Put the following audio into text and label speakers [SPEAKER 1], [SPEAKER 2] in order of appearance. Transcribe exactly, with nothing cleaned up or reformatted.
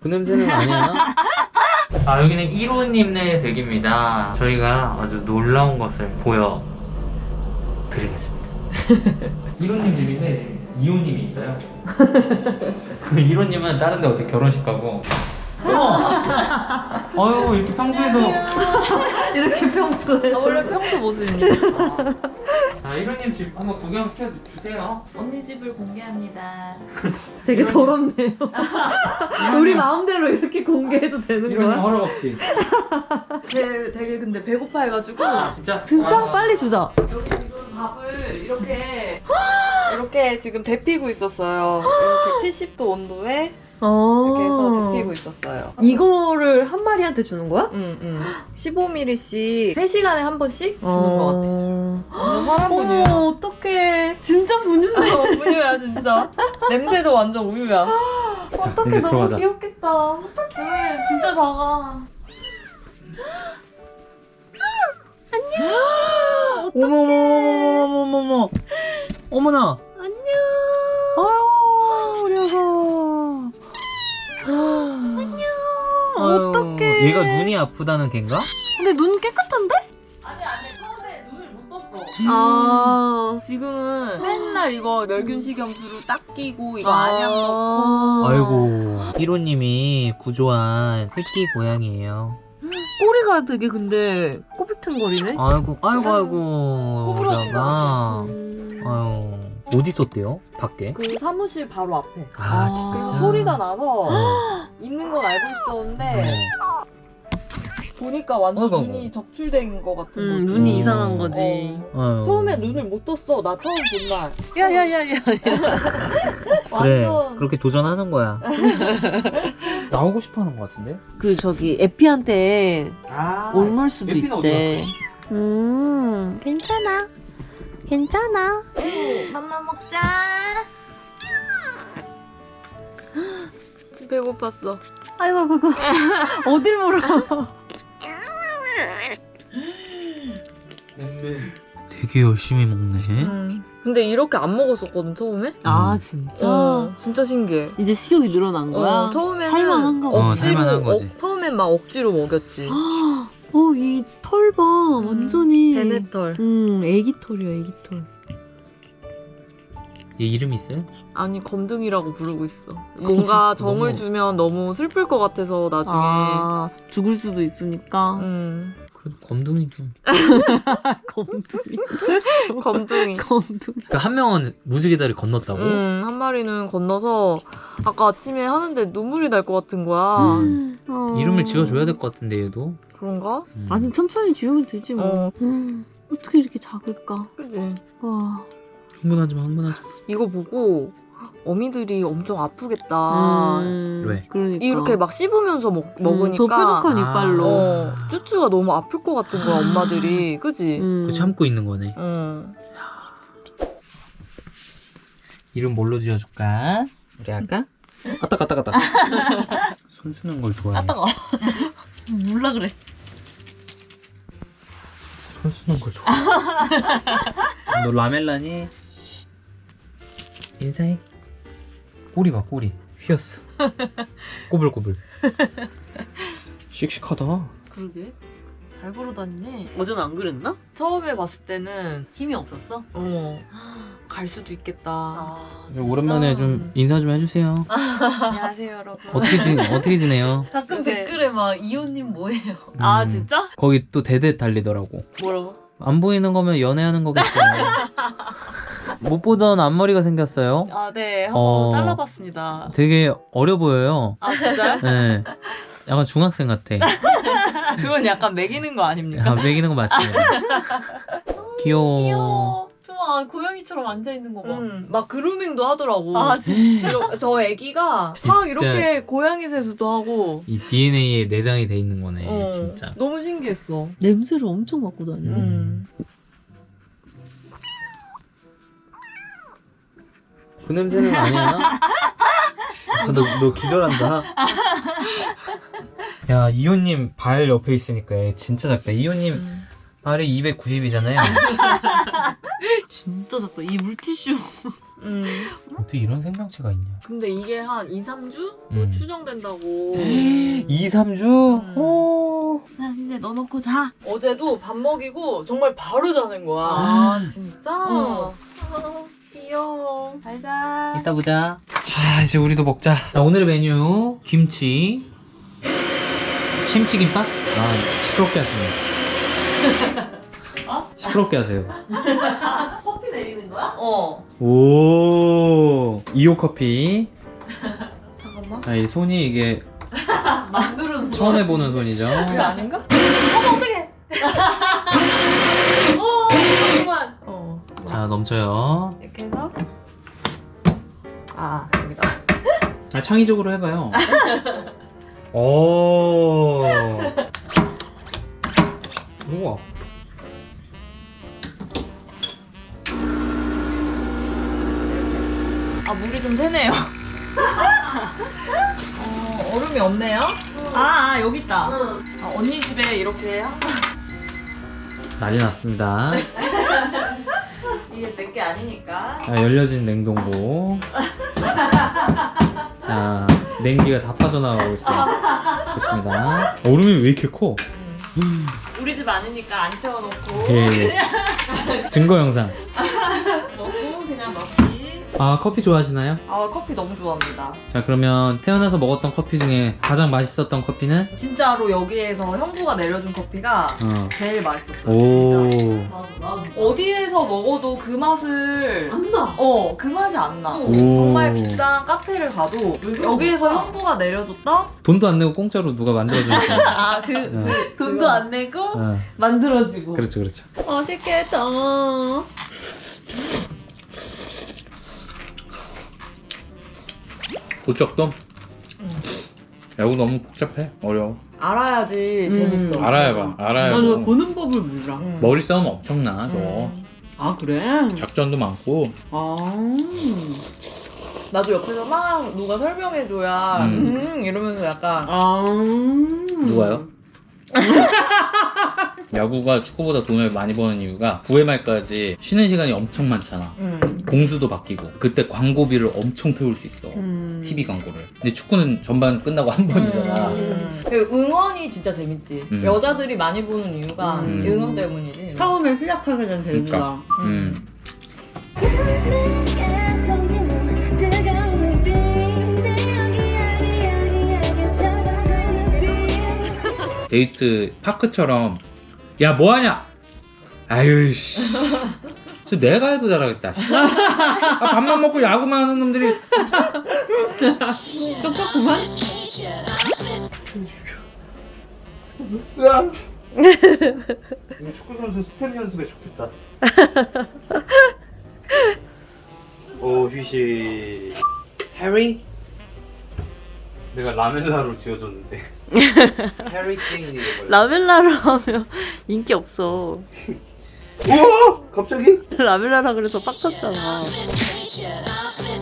[SPEAKER 1] 그 냄새는 아니야. 아, 여기는 일호님네 댁입니다. 저희가 아주 놀라운 것을 보여드리겠습니다. 일호님 집인데 이호님이 있어요. 일호님은 다른 데 어디 결혼식 가고. 어! 아유, 이렇게 평소에도.
[SPEAKER 2] 이렇게 평소에.
[SPEAKER 3] 아, 원래 평소 모습입니다.
[SPEAKER 1] 자, 일호님 집 한번 구경시켜 주세요.
[SPEAKER 3] 언니 집을 공개합니다.
[SPEAKER 2] 되게 더럽네요. 우리 마음대로 이렇게 공개해도 되는
[SPEAKER 1] 일호님
[SPEAKER 2] 거야?
[SPEAKER 1] 허락 없이.
[SPEAKER 3] 되게, 되게 근데 배고파해가지고
[SPEAKER 1] 아, 진짜?
[SPEAKER 2] 진짜?
[SPEAKER 1] 아,
[SPEAKER 2] 빨리 주자.
[SPEAKER 3] 여기 지금 밥을 이렇게 이렇게 지금 데피고 있었어요. 이렇게 칠십 도 온도에
[SPEAKER 2] 어.
[SPEAKER 3] 이렇게 해서 데피고 있었어요.
[SPEAKER 2] 이거를 한 마리한테 주는 거야?
[SPEAKER 3] 응, 응. 십오 밀리리씩 세 시간에 한 번씩 주는 것 같아.
[SPEAKER 2] 어.
[SPEAKER 3] 완전 사람 분유야.
[SPEAKER 2] 어머, 어떡해. 진짜 분유네.
[SPEAKER 3] 어, 우유야 진짜. 냄새도 완전 우유야.
[SPEAKER 2] 어떡해,
[SPEAKER 1] 이제
[SPEAKER 2] 너무
[SPEAKER 1] 들어가자.
[SPEAKER 2] 귀엽겠다.
[SPEAKER 3] 어떡해 진짜 작아.
[SPEAKER 1] 어머머머머머머머. 어머나.
[SPEAKER 2] 안녕.
[SPEAKER 1] 아유, 우리 아가.
[SPEAKER 2] 안녕.
[SPEAKER 1] 아유,
[SPEAKER 2] 어떡해.
[SPEAKER 1] 얘가 눈이 아프다는 걘가?
[SPEAKER 2] 근데 눈 깨끗한데?
[SPEAKER 3] 아니 아니 처음에 눈을 못 떴어.
[SPEAKER 2] 아.
[SPEAKER 3] 지금은 맨날 이거 멸균식 염수로 딱 끼고 이거
[SPEAKER 2] 아.
[SPEAKER 3] 안약 넣고.
[SPEAKER 1] 아이고, 일호님이 구조한 새끼 고양이에요.
[SPEAKER 3] 꼬리가 되게 근데 꼬불탱거리네.
[SPEAKER 1] 아이고, 아이고, 아이고.
[SPEAKER 3] 꼬부러진 것
[SPEAKER 1] 우리아가.
[SPEAKER 2] 음.
[SPEAKER 1] 아유, 어디 있었대요? 밖에?
[SPEAKER 3] 그 사무실 바로 앞에.
[SPEAKER 1] 아,
[SPEAKER 2] 아.
[SPEAKER 1] 진짜.
[SPEAKER 3] 그래서 소리가 나서
[SPEAKER 1] 어.
[SPEAKER 3] 있는 건 알고 있었는데
[SPEAKER 1] 어.
[SPEAKER 3] 보니까 완전
[SPEAKER 1] 어이구,
[SPEAKER 3] 눈이
[SPEAKER 1] 어이구.
[SPEAKER 3] 적출된 것 같은
[SPEAKER 2] 음,
[SPEAKER 3] 거지.
[SPEAKER 2] 눈이
[SPEAKER 1] 어.
[SPEAKER 2] 이상한 거지.
[SPEAKER 3] 어.
[SPEAKER 1] 아유.
[SPEAKER 3] 처음에 눈을 못 떴어. 나 처음 본 날.
[SPEAKER 2] 야야야야.
[SPEAKER 1] 그래,
[SPEAKER 3] 완전
[SPEAKER 1] 그렇게 도전하는 거야. 나오고 싶어 하는 것 같은데?
[SPEAKER 2] 그 저기 에피한테
[SPEAKER 1] 아,
[SPEAKER 2] 옮을 수도
[SPEAKER 1] 에피는 어디
[SPEAKER 2] 있대. 음, 괜찮아. 괜찮아.
[SPEAKER 3] 맘마 먹자. 배고팠어.
[SPEAKER 2] 아이고, 아이고, 아이고. 어딜 물어.
[SPEAKER 1] 되게 열심히 먹네.
[SPEAKER 3] 음. 근데 이렇게 안 먹었었거든 처음에.
[SPEAKER 2] 아, 진짜?
[SPEAKER 3] 어, 진짜 신기해.
[SPEAKER 2] 이제 식욕이 늘어난 거야?
[SPEAKER 3] 어, 처음에는
[SPEAKER 2] 살만한가 보다.
[SPEAKER 1] 어,
[SPEAKER 3] 억지로
[SPEAKER 1] 살만한 거지.
[SPEAKER 3] 어, 처음엔 막 억지로 먹였지.
[SPEAKER 2] 어, 이 털 봐. 완전히.
[SPEAKER 3] 베네털.
[SPEAKER 2] 음, 애기 털이야, 애기 털.
[SPEAKER 1] 얘 이름 있어요?
[SPEAKER 3] 아니 검둥이라고 부르고 있어. 뭔가 정을
[SPEAKER 1] 너무-
[SPEAKER 3] 주면 너무 슬플 것 같아서 나중에.
[SPEAKER 2] 아, 죽을 수도 있으니까.
[SPEAKER 3] 음.
[SPEAKER 1] 그래도 검둥이 좀.
[SPEAKER 2] 검둥이.
[SPEAKER 3] 검둥이.
[SPEAKER 2] 검둥이.
[SPEAKER 1] 그 한 명은 무지개 다리 건넜다고?
[SPEAKER 3] 음, 한 마리는 건너서 아까 아침에 하는데 눈물이 날 것 같은 거야.
[SPEAKER 1] 음.
[SPEAKER 2] 어.
[SPEAKER 1] 이름을 지어줘야 될 것 같은데 얘도.
[SPEAKER 3] 그런가?
[SPEAKER 1] 음.
[SPEAKER 2] 아니, 천천히 지우면 되지 뭐.
[SPEAKER 3] 어.
[SPEAKER 2] 음, 어떻게 이렇게 작을까?
[SPEAKER 3] 그지?
[SPEAKER 2] 와.
[SPEAKER 1] 흥분하지 마, 흥분하지 마.
[SPEAKER 3] 이거 보고 어미들이 엄청 아프겠다.
[SPEAKER 2] 음,
[SPEAKER 1] 왜?
[SPEAKER 2] 그러니까.
[SPEAKER 3] 이렇게 막 씹으면서 먹,
[SPEAKER 2] 음,
[SPEAKER 3] 먹으니까
[SPEAKER 2] 저 뾰족한 이빨로.
[SPEAKER 3] 어, 쭈쭈가 너무 아플 것 같은 거야, 엄마들이. 그지?
[SPEAKER 2] 음.
[SPEAKER 1] 그 참고 있는 거네.
[SPEAKER 3] 응.
[SPEAKER 1] 이름 뭘로 지어줄까? 우리 아까? 아따 갔다 갔다. 손 쓰는 걸 좋아해.
[SPEAKER 3] 아따가.
[SPEAKER 2] 몰라 그래.
[SPEAKER 1] 손 쓰는 걸 좋아해. 너 라멜라니? 인사해. 꼬리 봐, 꼬리. 휘었어. 꼬불꼬불. 씩씩하다.
[SPEAKER 3] 그러게. 잘 걸어다니네.
[SPEAKER 2] 어제는 안 그랬나?
[SPEAKER 3] 처음에 봤을 때는,
[SPEAKER 2] 힘이 없었어?
[SPEAKER 3] 어, 갈 수도 있겠다.
[SPEAKER 2] 아,
[SPEAKER 1] 오랜만에 좀 인사 좀 해주세요.
[SPEAKER 3] 안녕하세요, 여러분.
[SPEAKER 1] 어떻게 지 어떻게 지내요?
[SPEAKER 2] 가끔
[SPEAKER 3] 요새-
[SPEAKER 2] 댓글에 막 이호님 뭐예요?
[SPEAKER 3] 아,
[SPEAKER 1] 음,
[SPEAKER 3] 진짜?
[SPEAKER 1] 거기 또 대대 달리더라고.
[SPEAKER 3] 뭐라고?
[SPEAKER 1] 안 보이는 거면 연애하는 거겠죠. 못 보던 앞머리가 생겼어요.
[SPEAKER 3] 아, 네. 한번
[SPEAKER 1] 어.
[SPEAKER 3] 잘라봤습니다.
[SPEAKER 1] 되게 어려 보여요.
[SPEAKER 3] 아, 진짜요?
[SPEAKER 1] 네. 약간 중학생 같아.
[SPEAKER 3] 그건 약간 매기는 거 아닙니까?
[SPEAKER 1] 아, 매기는 거 맞습니다. 귀여워.
[SPEAKER 2] 귀여워. 좋아, 고양이처럼 앉아있는 거 봐.
[SPEAKER 3] 음, 막 그루밍도 하더라고.
[SPEAKER 2] 아, 진짜?
[SPEAKER 3] 저, 저 애기가
[SPEAKER 1] 진짜.
[SPEAKER 3] 막 이렇게 고양이 세수도 하고.
[SPEAKER 1] 이 디엔에이에 내장이 돼 있는 거네,
[SPEAKER 3] 어,
[SPEAKER 1] 진짜.
[SPEAKER 3] 너무 신기했어.
[SPEAKER 2] 냄새를 엄청 맡고 다녀.
[SPEAKER 3] 음.
[SPEAKER 1] 그 냄새는 아니야. 아, 너, 너 기절한다. 야, 이호님 발 옆에 있으니까 얘 진짜 작다. 이호님
[SPEAKER 3] 음.
[SPEAKER 1] 발이 이백구십이잖아요.
[SPEAKER 2] 진짜 작다. 이 물티슈.
[SPEAKER 3] 음.
[SPEAKER 1] 어떻게 이런 생명체가 있냐.
[SPEAKER 3] 근데 이게 한 이, 삼 주?
[SPEAKER 1] 음.
[SPEAKER 3] 추정된다고.
[SPEAKER 1] 이, 삼 주?
[SPEAKER 3] 음.
[SPEAKER 1] 오.
[SPEAKER 2] 난 이제 넣어놓고 자.
[SPEAKER 3] 어제도 밥 먹이고 정말 바로 자는 거야.
[SPEAKER 2] 아,
[SPEAKER 3] 진짜? 아, 귀여워. 잘 자.
[SPEAKER 1] 이따 보자. 자, 이제 우리도 먹자. 자, 오늘의 메뉴 김치, 침치김밥. 아, 시끄럽게 하시네.
[SPEAKER 3] 어?
[SPEAKER 1] 시끄럽게 하세요.
[SPEAKER 3] 커피 내리는 거야? 어.
[SPEAKER 1] 오, 이호 커피.
[SPEAKER 3] 잠깐만.
[SPEAKER 1] 자, 이 손이 이게
[SPEAKER 3] 만두는
[SPEAKER 1] 처음 해보는 손이죠.
[SPEAKER 3] 그게 아닌가? 어머 어떡해. 오 잠깐만. 어.
[SPEAKER 1] 자, 넘쳐요.
[SPEAKER 3] 이렇게 해서 아 여기다.
[SPEAKER 1] 아, 창의적으로 해봐요. 오. 우와.
[SPEAKER 3] 아 물이 좀 새네요. 어 얼음이 없네요. 아, 아 여기 있다. 아, 언니 집에 이렇게 항상
[SPEAKER 1] 난리 났습니다.
[SPEAKER 3] 이게 내 게 아니니까.
[SPEAKER 1] 자, 열려진 냉동고. 자, 냉기가 다 빠져나가고 있어요. 좋습니다. 얼음이 왜 이렇게 커?
[SPEAKER 3] 우리 집 아니니까 안 채워놓고
[SPEAKER 1] 예, 예. 증거 영상.
[SPEAKER 3] 넣고 그냥 넣기.
[SPEAKER 1] 아, 커피 좋아하시나요?
[SPEAKER 3] 아 커피 너무 좋아합니다.
[SPEAKER 1] 자, 그러면 태어나서 먹었던 커피 중에 가장 맛있었던 커피는?
[SPEAKER 3] 진짜로 여기에서 형부가 내려준 커피가
[SPEAKER 1] 어.
[SPEAKER 3] 제일 맛있었어요.
[SPEAKER 1] 오.
[SPEAKER 3] 진짜. 어디에서 먹어도 그 맛을
[SPEAKER 2] 안 나.
[SPEAKER 3] 어, 그 맛이 안 나.
[SPEAKER 1] 오.
[SPEAKER 3] 정말 비싼 카페를 가도 여기에서 형부가 내려줬다?
[SPEAKER 1] 돈도 안 내고 공짜로 누가 만들어주니까.
[SPEAKER 3] 아, 그,
[SPEAKER 1] 어.
[SPEAKER 3] 그 돈도 안 내고
[SPEAKER 1] 어.
[SPEAKER 3] 만들어주고.
[SPEAKER 1] 그렇죠, 그렇죠.
[SPEAKER 3] 맛있겠다.
[SPEAKER 1] 고척돔? 야구 너무 복잡해. 어려워.
[SPEAKER 3] 알아야지
[SPEAKER 2] 음.
[SPEAKER 3] 재밌어.
[SPEAKER 1] 알아야봐. 알아야
[SPEAKER 2] 나는
[SPEAKER 1] 뭐.
[SPEAKER 2] 보는 법을 몰라.
[SPEAKER 3] 음.
[SPEAKER 1] 머리 싸움 엄청나, 저거.
[SPEAKER 3] 음.
[SPEAKER 2] 아, 그래?
[SPEAKER 1] 작전도 많고.
[SPEAKER 2] 아.
[SPEAKER 3] 나도 옆에서 막 누가 설명해줘야
[SPEAKER 1] 음.
[SPEAKER 3] 음, 이러면서 약간
[SPEAKER 2] 아.
[SPEAKER 1] 누가요? 야구가 축구보다 돈을 많이 버는 이유가 구 회 말까지 쉬는 시간이 엄청 많잖아.
[SPEAKER 3] 음.
[SPEAKER 1] 공수도 바뀌고 그때 광고비를 엄청 태울 수 있어.
[SPEAKER 2] 음.
[SPEAKER 1] 티비 광고를. 근데 축구는 전반 끝나고 한 번이잖아.
[SPEAKER 3] 음. 그 응원이 진짜 재밌지.
[SPEAKER 1] 음.
[SPEAKER 3] 여자들이 많이 보는 이유가
[SPEAKER 2] 음.
[SPEAKER 3] 응원 때문이지.
[SPEAKER 2] 처음에 시작하게 된
[SPEAKER 1] 그러니까.
[SPEAKER 2] 재미가.
[SPEAKER 1] 음. 데이트 파크처럼 야 뭐하냐? 아유 씨. 저 내가 해도 잘하겠다. 아, 밥만 먹고 야구만 하는 놈들이.
[SPEAKER 2] 똑같구만.
[SPEAKER 1] 이거 축구 선수 스텝 연습에 좋겠다. 오 휴식. 해리? 내가 라멜라로 지어줬는데. 해리 케인이 이거.
[SPEAKER 2] 라멜라로 하면 인기 없어.
[SPEAKER 1] 우와! 갑자기?
[SPEAKER 2] 라멜라라 그래서 빡쳤잖아.